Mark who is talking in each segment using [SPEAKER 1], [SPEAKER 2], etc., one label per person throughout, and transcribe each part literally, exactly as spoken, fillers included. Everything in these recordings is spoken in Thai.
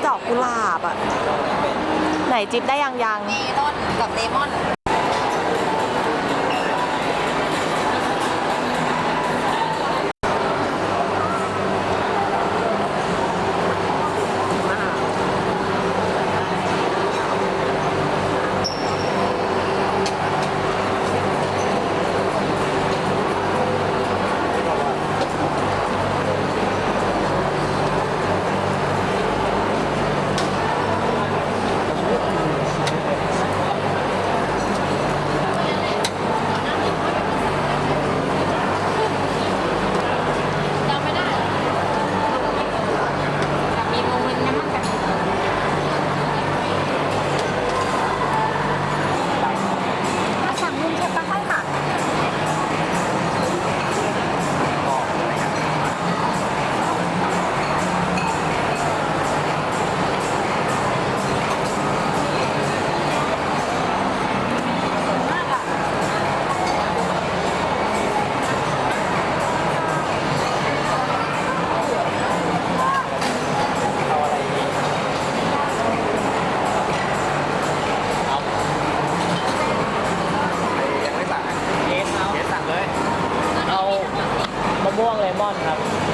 [SPEAKER 1] ดอกกุหลาบอ่ะไหนจิ๊บได้ยังยัง
[SPEAKER 2] เมลอนกับเลมอน
[SPEAKER 3] ม่วงเลมอนครับ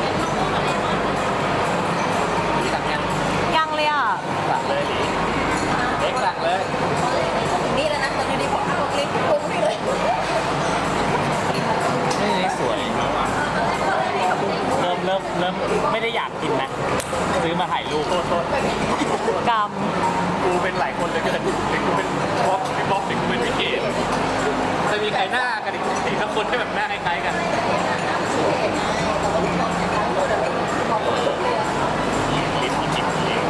[SPEAKER 3] สั่งยัง
[SPEAKER 1] ยังเลยอ่ะ
[SPEAKER 3] สั่งเลยดิเอ็กสั่งเลย
[SPEAKER 2] นี่แล้วนะตอนนี้ผมเอาคลิปปุ้งนี่เลย
[SPEAKER 3] นี่สวยเริ่มเริ่มเริ่มไม่ได้อยากกินนะซื้อมาถ่ายรูปโทษ
[SPEAKER 1] กรรม
[SPEAKER 3] กูเป็นหลายคนเลยเกินถึงกูเป็นบล็อกเป็นบล็อกถึงกูเป็นวิเกตจะมีใครหน้ากันอีกทีถ้าคนที่แบบหน้าคล้ายๆกันลิ้นที่จิบเอง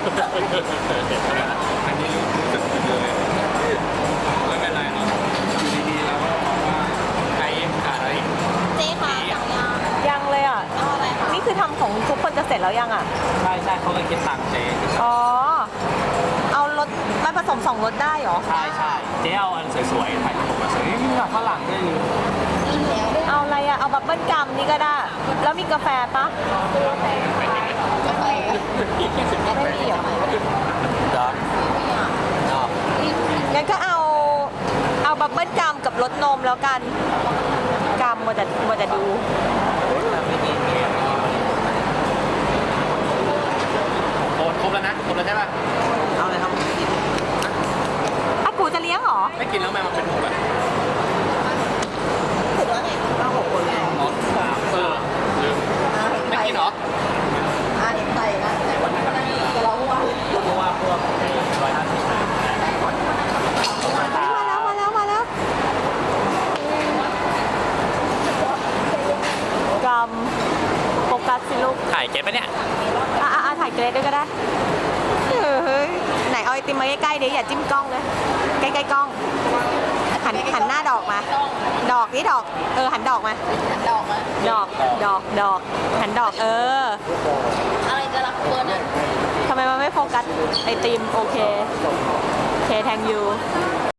[SPEAKER 3] อันนี้รู้สึกเลยไม่เป็นไรเนาะอยู่ดีๆแล้วก็บอกว่าใครขาดอะไร
[SPEAKER 2] เจ๊ค่ะสั่งยัง
[SPEAKER 1] ยังเลยอ่ะ
[SPEAKER 2] เอาอะไรคะ
[SPEAKER 1] นี่คือทำของทุกคนจะเสร็จแล้วยังอ่ะ
[SPEAKER 3] ใช่ใช่เขาเลยคิดตังค์เจ๊
[SPEAKER 1] อ๋อเอารสมันผสมสองรสได้เหรอ
[SPEAKER 3] ใช่ใช่เจ๊เอาอันสวยๆถ่ายรูปมาสวยนี่แบบฝรั่งได้เลย
[SPEAKER 1] เอาอะไรอ่ะเอาบับเบิ้ลกัมนี่ก็ได้แล้วมีกาแฟปะไม่มีเหรอ
[SPEAKER 3] ดอกดอก
[SPEAKER 1] งั้นก็เอาเอาบับเบิ้ลกัมกับรสนมแล้วกันกัมมัวแต่มัวแต่ดู
[SPEAKER 3] โอนครบแล้วนะครบแล้วใช่ป่ะเอาเลยครับ
[SPEAKER 1] อ่ะกูจะเลี้ยงเหรอ
[SPEAKER 3] ไม่กินแล้วแม่มันเป็นหมูแบบ
[SPEAKER 2] ถือว่าไงเราหกคนไง
[SPEAKER 3] อ๋อเออลืมไม่กินเหรอ
[SPEAKER 2] อ่าเห็นไทยนะแต่วันนั้นจะร้องว่า
[SPEAKER 3] เพราะว่าพวกร้อยห้าสิบมา
[SPEAKER 1] แล้วมาแล้วมาแล้วกรรมโฟกัสสิลูก
[SPEAKER 3] ถ่ายเก็บปะเนี่ย
[SPEAKER 1] อ่ะอ่ะถ่ายเกรดด้วยก็ได้เฮ้ยไหนเอาไอติมมาใกล้ๆเดี๋ยวอย่าจิ้มกล้องเลยใกล้ๆกล้องหันหันหน้าดอกมาดอกนี่ดอกเออหันดอกมา
[SPEAKER 2] ดอกมา
[SPEAKER 1] ดอกดอกดอกหันดอกเออ
[SPEAKER 2] อะไรจะรับเบอร์นั้น
[SPEAKER 1] ทำไมมันไม่โฟกัสไอติมโอเคโอเคแทงยู